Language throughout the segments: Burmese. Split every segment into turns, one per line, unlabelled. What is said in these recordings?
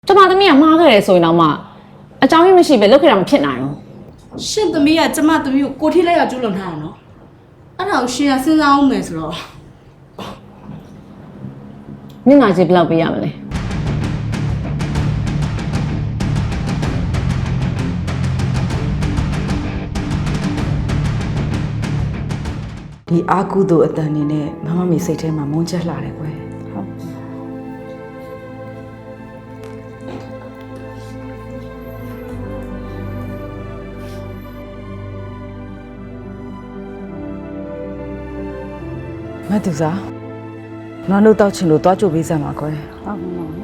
ကျမသမီးကမှားခဲ့တယ်ဆိုရင်တော့မှအကြောင်းရင်းမရှိပဲလုပ်ခဲ့တာမဖြစ်နိုင်ဘူး
ရှင့်သမီးကကျမသမီးကိုကိုထိလိုက်ရကျူးလွန်ထားတာနော်အဲ့ဒါကိုရှင်ကစဉ်းစားအောင်မယ်ဆိုတော့
မျက်နှာကြီးဘယ်လောက်ပေးရမလဲ
ဒီအာကုသို့အတန်နေနဲ့မမမေစိတ်ထဲမှာမုန်းချက်လှတယ်ကွယ်ဟုတ်မတူစားနွားတို့တောက်ချင်လို့တွားကြိုပေးစမ်းပါကွယ်ဟုတ်ပါဘူး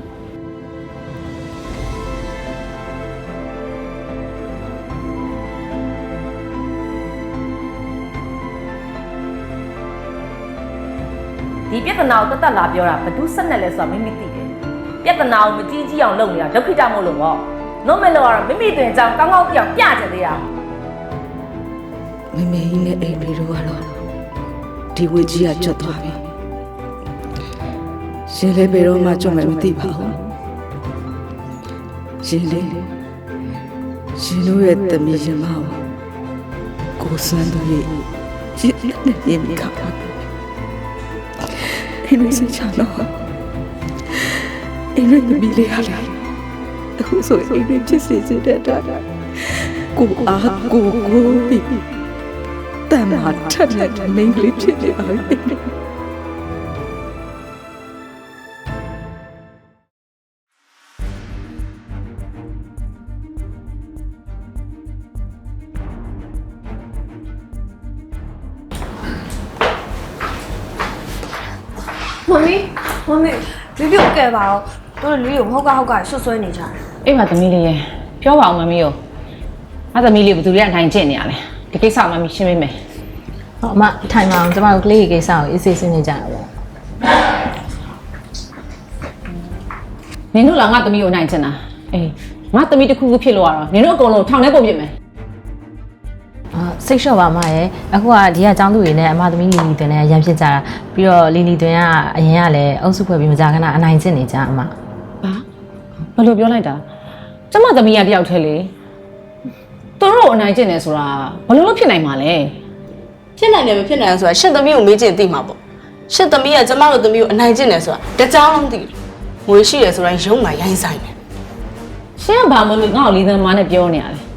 ဒီပြဿနာကိုတတ်လာပြောတာဘသူဆက်နဲ့လဲဆိုတာမိမိသိတယ်ပြဿနာကိုမကြီးကြီးအောင်လုပ်နေတာဒုက္ခိတမို့လို့ပေါ့နို့မဲ့လို့ကတော့မိမိတွင်အကြောင်းကောင်းကောင်းပြောင်းပြချင်သေးတာ
မမေကြီးနဲ့အိမ်လေးတို့ကတော့ဒီဝေကြီးကကျွတ်သွားပြီရှင်လေးဘယ်တော့မှကျွတ်မယ်မသိပါဘူးရှင်လေးရှင်တို့ရဲ့တမီးရှင်မကိုစန်းတို့ရဲ့ရှင်နဲ့ရင်ခါပါအင်းစိတ်ချတော့အင်းရဲ့မိလေးဟာလာအခုဆိုအင်းရဲ့ဖြစ်စေတဲ့တာကိုအားကိုပြီးတမ်းမှာထက်တဲ့မိန်းကလေးဖြစ်နေပါပြီ
မမီဒီပြုတ်ကဲပါတော့တို့လူကိုဟုတ်ကဆွဆွဲနေကြတယ်
အေးပါသမီးလေးရေပြောပါအောင်မမီးရောငါသမီးလေးဘယ်သူတွေအထိုင်ကျင့်နေရလဲဒီကိစ္စမမီးရှင်းပေးမယ်
ဟောအမထိုင်ပါအောင်ကျမတို့ကလေးကိစ္စကိုအေးဆေးဆင်းနေကြတာပေါ့
နင်တို့လားငါသမီးကိုနိုင်ချင်တာအေးငါသမီးတစ်ခုခုဖြစ်လို့ရတော့နင်တို့အကုန်လုံးထောင်ထဲပို့ပြစ်မယ်
စိတ်လျှော့ပါမရဲ့အခုကဒီကចောင်းသူတွေနဲ့အမသမီးလီလီတွင်နဲ့ရန်ဖြစ်ကြတာပြီးတော့လီလီတွင်ကအရင်ကလည်းအုပ်စုဖွဲ့ပြီးမကြခဏအနိုင်ကျင့်နေကြအမ
ဘာလို့ပြောလိုက်တာကျမသမီးကတယောက်တည်းလေသူတို့အနိုင်ကျင့်နေဆိုတာဘလို့ဖြစ်နိုင်မှာလဲ
ဖြစ်နိုင်တယ်မဖြစ်နိုင်ဘူးဆိုတာရှင့်သမီးကိုမေးချင်သိမှာပေါ့ရှင့်သမီးကကျမတို့သမီးကိုအနိုင်ကျင့်တယ်ဆိုတာတကြောင်လုံးသိတယ်ငွေရှိရဆိုတိုင်းရုံးမှရိုင်းဆိုင်တယ်
ရှင်းကဘာမလို့ငါ့ကိုလေးသမားနဲ့ပြောနေရလဲ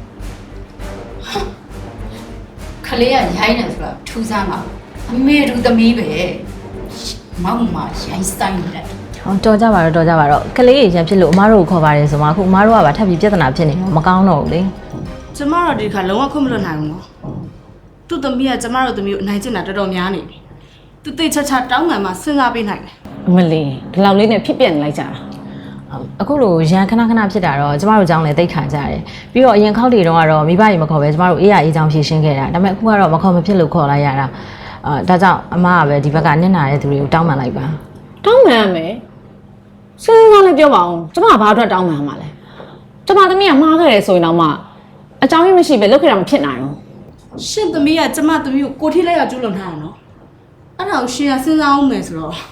ခလေးကရိုင်းတယ်ဆိုတော့ထူးဆန်းပါအမေတို့သမီးပဲမောင်မရိုင်းဆိုင်တယ်
ဟောတော်ကြပါတော့ကလေးရန်ဖြစ်လို့အမတို့ကိုခေါ်ပါတယ်ဆိုမှအခုအမတို့ကပါထပ်ပြီးပြဿနာဖြစ်နေတော့မကောင်းတော့ဘူးလေ
ကျမတို့ဒီခါလုံးဝခွင့်မလွတ်နိုင်ဘူးနော်သူ့သမီးကကျမတို့သမီးကိုအနိုင်ကျင့်တာတော်တော်များနေပြီသူတိတ်ချတောင်းမှန်မှစဉ်းစားပေးနိုင်တယ်
အမလီဒီလောက်လေးနဲ့ဖြစ်ပြနေလိုက်ကြတာ
အခုလိုရန်ခဏဖြစ်တာတော့ကျမတို့ကျောင်းလည်းတိတ်ခါကြတယ်ပြီးတော့အရင်ခေါက်တွေတုန်းကတော့မိဘကြီးမခေါ်ပဲကျမတို့အေးရအေးချောင်းဖြည့်ရှင်းခဲ့တာဒါပေမဲ့အခုကတော့မခေါ်မဖြစ်လို့ခေါ်လိုက်ရတာဒါကြောင့်အမကပဲဒီဘက်ကနစ်နာတဲ့သူတွေကိုတောင်းပန်လိုက်ပါ
တောင်းပန်ရမယ်စဉ်းစားလည်းပြောပါအောင်ကျမဘာအတွက်တောင်းပန်မှာလဲကျမသမီးကမှားခဲ့တယ်ဆိုရင်တော့မှအကြောင်းရင်းမရှိပဲလုပ်ခဲ့တာမဖြစ်နိုင်ဘူး
ရှင့်သမီးကကျမသမီးကိုကိုထိလိုက်ရကျူးလွန်ထားတာနော်အဲ့ဒါကိုရှင်ကစဉ်းစားအောင်မယ်ဆိုတော့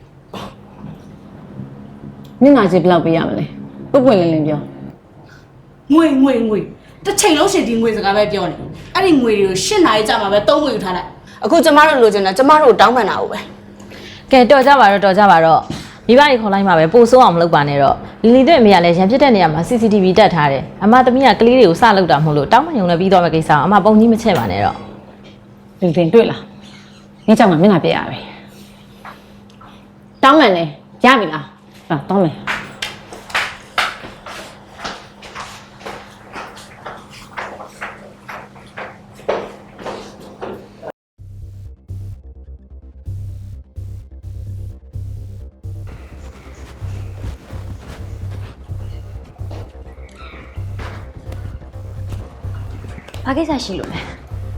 မျက်နှာကြီးဘယ်လောက်ပေးရမလဲပွင့်လင်းလင်းပြော
ငွေတစ်ချိန်လုံးရှင်ဒီငွေစကားပဲပြောနေအဲ့ဒီငွေတွေကိုရှင်းနိုင်ကြမှာပဲသုံးငွေယူထားလိုက်အခုကျမတို့လိုချင်တာကျမတို့တောင်းပန်တာကိုပဲ
ကဲတော်ကြပါတော့မိဘတွေခေါ်လိုက်မှာပဲပို့ဆိုးအောင်မလုပ်ပါနဲ့တော့လီလီတို့အမေကလည်းရန်ဖြစ်တဲ့နေရာမှာ CCTV တက်ထားတယ်အမသမီးကကလေးတွေကိုစလုပ်တာမဟုတ်လို့တောင်းပန်ရုံနဲ့ပြီးသွားမယ့်ကိစ္စအောင်အမပုံကြီးမချက်ပါနဲ့တော့
လီတင်တွေ့လားညချောင်းမှာမျက်နှာပြရပြီတောင်းပန်လေရပြီလားတောင်းမယ်
ဘာကိစ္စရှိလို့လဲ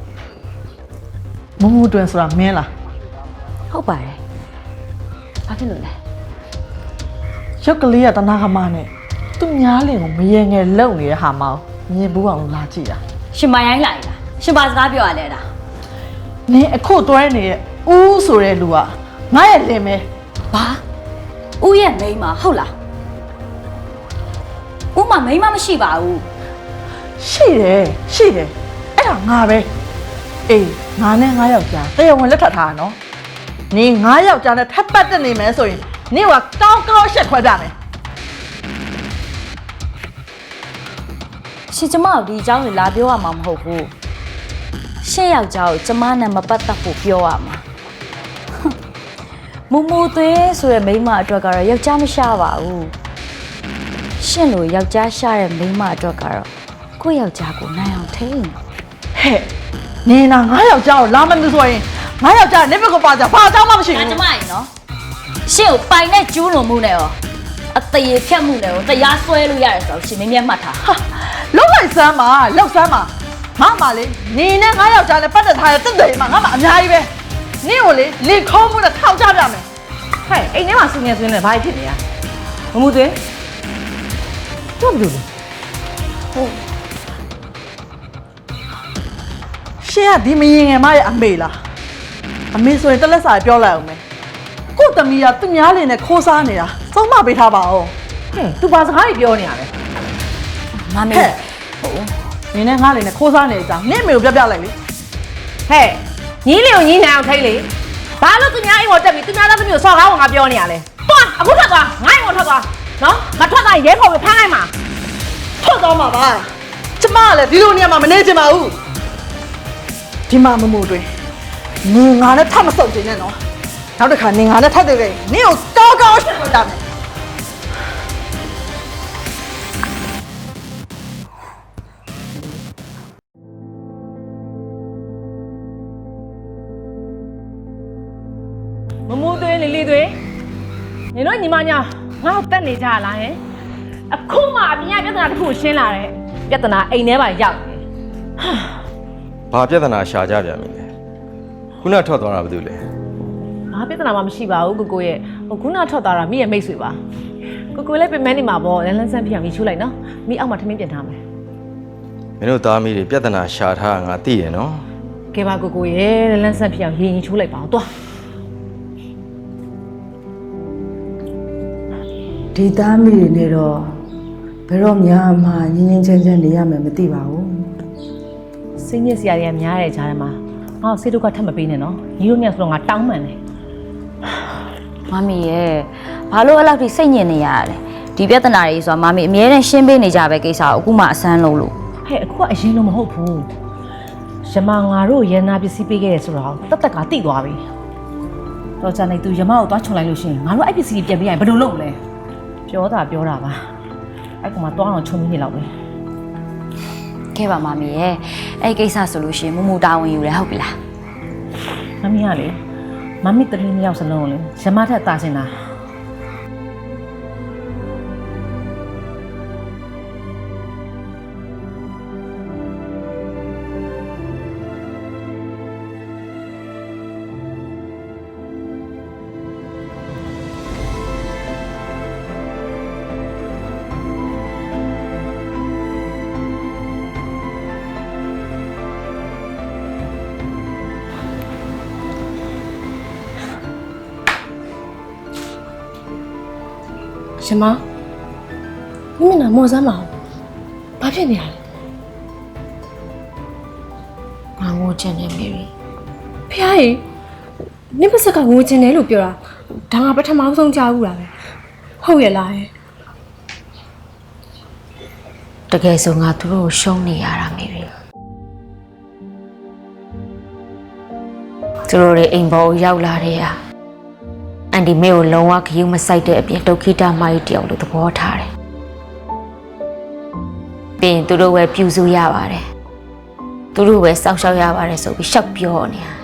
မမတွင်ဆိုတာမင်းလား
ဟုတ်ပါတယ်ဘာဖြစ်လို့လဲ
ရုပ်ကလေးကတနာခမနဲ့သူများလင်ကိုမရေငယ်လုံနေတဲ့ဟာမောင်မြင်ဘူးအောင်လာကြည့်တာ
ရှင်မရိုင်းလိုက်လားရှင်မစကားပြောရလဲတာ
နင်းအခုတွဲနေတဲ့ဦးဆိုတဲ့လူကငါရဲ့လင်မဲ
ဘာဦးရဲ့မိန်းမဟုတ်လားမှမိန်းမမရှိပါဘူး
ရှိတယ်အဲ့ဒါငါပဲအေးငါနဲ့ငါယောက်ျားတရားဝင်လက်ထပ်ထားတာနော်နင်ငါယောက်ျားနဲ့ထပ်ပတ်တက်နေမယ်ဆိုရင်နင်ကကောင်းကောင်းရှက်ခွဲပြမယ်
ရှင်ကျမတို့ဒီအကြောင်းကိုလာပြောရမှာမဟုတ်ဘူးရှင့်ယောက်ျားကိုကျမနဲ့မပတ်သက်ဖို့ပြောရမှာမူမူသွေးဆိုတဲ့မိန်းမအတွက်ကတော့ယောက်ျားမရှာပါဘူးရှင့်လိုယောက်ျားရှာတဲ့မိန်းမအတွက်ကတော့ကိုယ့်ယောက်ျားကိုနိုင်အောင်ထိန်း
ဟဲ့နင်နာငါယောက်ျားကိုလာမလို့ဆိုရင်ငါယောက်ျားနေဘက်ကိုပါကြဘာအကြောင်းမှမရှိ
ဒါ
ဘူး
ကျမရင်နော်ရှင့်ကိုပိုင်နဲ့ကျူးလွန်မှုနဲ့ရောအသေးဖြတ်မှုနဲ့ရောတရားစွဲလို့ရတယ်ဆိုတော့ရှင်မင်းမြတ်မှတ်ထား
ဟာလောက်လိုက်စမ်းပါလောက်စမ်းပါငါမှလေနင်နဲ့ငါယောက်ျားနဲ့ပတ်သက်ထားတဲ့တက်တယ်မှာငါမှအများကြီးပဲနင်ကိုလေလင်ခေါ်မှုနဲ့ထောက်ကြပြမယ်
ဟဲ့အိမ်ထဲမှာဆူနေဆိုနေဘာဖြစ်နေရမမှုသွင်းတော့ဘူးလေ
ရှင်းကဒီမရင်ငယ်မရဲ့အမေလားအမေဆိုရင်တက်လက်စာပြောလိုက်အောင်မယ်ကို့သမီးကသူများလင်နဲ့ခိုးစားနေတာစုံမပေးထားပါဦး
ဟဲ့သူဘာစကားကြီးပြောနေရလဲ
မမေ
ဟဲ့နင်နဲ့ငါလင်နဲ့ခိုးစားနေကြနင့်အမေကိုပြလိုက်လေ
ဟဲ့ညီးလေးကိုညီးနိုင်အောင်ထိတ်လေဘာလို့သူများအိမ်ပေါ်တက်ပြီးသူများသားသမီးကိုစော်ကားအောင်ငါပြောနေရလဲသွားအခုထွက်သွားငါ့အိမ်ပေါ်ထွက်သွားနော်ငါထွက်သွားရင်ရဲခေါ်ပြီးဖမ်းလိုက်မှာ
ထွက်သွားမှာပါကျမကလည်းဒီလိုနေရာမှာမနေချင်ပါဘူးဒီမှာမမို့တွင်နင်ငါနဲ့ထပ်မဆုပ်ချင်နဲ့နော်နောက်တစ်ခါနင်ငါနဲ့ထပ်တွေ့ခဲ့နင်ကိုကောင်းကောင်းရှင်းပြတာမယ်
မမိုးသွင်းလီလီသွင်းညီတို့ညီမညာငါ့ကိုတက်နေကြလားဟင်အခုမှအပြင်ကပြဿနာတစ်ခုရှင်းလာတယ်ပြဿနာအိမ်ထဲမှာရောက်နေ
ဘာပြဿနာရှာကြပြန်ပြီလဲခုနထွက်သွားတာဘာလို့လဲ
ဘာပြဿနာမှမရှိပါဘူးကိုကိုရဲ့ဟိုခုနထွက်သွားတာမိရဲ့မိတ်ဆွေပါကိုလည်းပြင်မနေမှာပေါ့လန်းလန်းဆန်းပြအောင်မိချိုးလိုက်နော်မိအောက်မှာထမင်းပြင်ထားမယ်
မင်းတို့သားမီးတွေပြဿနာရှာထားငါသိရနော်
ကဲပါကိုရဲ့လန်းလန်းဆန်းပြအောင်ရင်ချိုးလိုက်ပါအောင်သွား
ဒီသားမိတွေနဲ့တော့ဘယ်တော့မှငင်းငင်းချမ်းချမ်းနေရမယ်မသိပါဘူး
စိတ်ညစ်စရာတွေကများတဲ့ကြားထဲမှာငါ့ကိုစိတ်ဒုက္ခထပ်မပေးနဲ့နော်ညီတို့နဲ့ဆိုတော့ငါတောင်းပန်တယ်
မမီရဲ့ဘာလို့အဲ့လောက်ထိစိတ်ညစ်နေရလဲဒီပြဿနာတွေဆိုတာမမီအမြဲတမ်းရှင်းပေးနေကြပဲကိစ္စကိုအခုမှအဆန်းလို့
ဟဲ့အခုကအရင်လိုမဟုတ်ဘူးရမငါတို့ရန်နာပစ္စည်းပေးခဲ့တယ်ဆိုတော့တက်ကတိသွားပြီတော့ကြာနေသူရမကိုသွားချုံလိုက်လို့ရှိရင်ငါတို့အဲ့ပစ္စည်းပြန်ပေးရင်ဘယ်လိုလုပ်မလဲပြောတာပါအဲ့ကောင်မသွားအောင်ချုံမိနေလောက်ပဲ
ခဲ့ပါမမီရဲ့အဲ့ကိစ္စဆိုလို့ရှိရင်မမူတာဝန်ယူရဟုတ်ပြီလား
မမီကလေမမီတမီးနှစ်ယောက်စလုံးကိုလေရမထက်တာစင်တာ
ရှင်မမင်းနာမော်စမ်းမအောင်ဘာဖြစ်နေရလဲငါငိုချင်တယ်မေရီဖះရေနင့်ပါစကငိုချင်တယ်လို့ပြောတာဒါငါပထမဆုံးကြားဘူးလားပဲဟုတ်ရဲ့လားတကယ်ဆိုငါသူတို့ကိုရှုံးနေရတာမေရီသူတို့တွေအိမ်ပေါ်ရောက်လာတဲ့အန်ဒီမေကိုလုံးဝခယူးမဆိုင်တဲ့အပြင်ဒုက္ခိတမကြီးတယောက်လို့သဘောထားတယ်။ပြီးရင်သူတို့ပဲပြူစုရပါတယ်။သူတို့ပဲစောက်ရှောက်ရပါတယ်ဆိုပြီးရှောက်ပြောနေတာ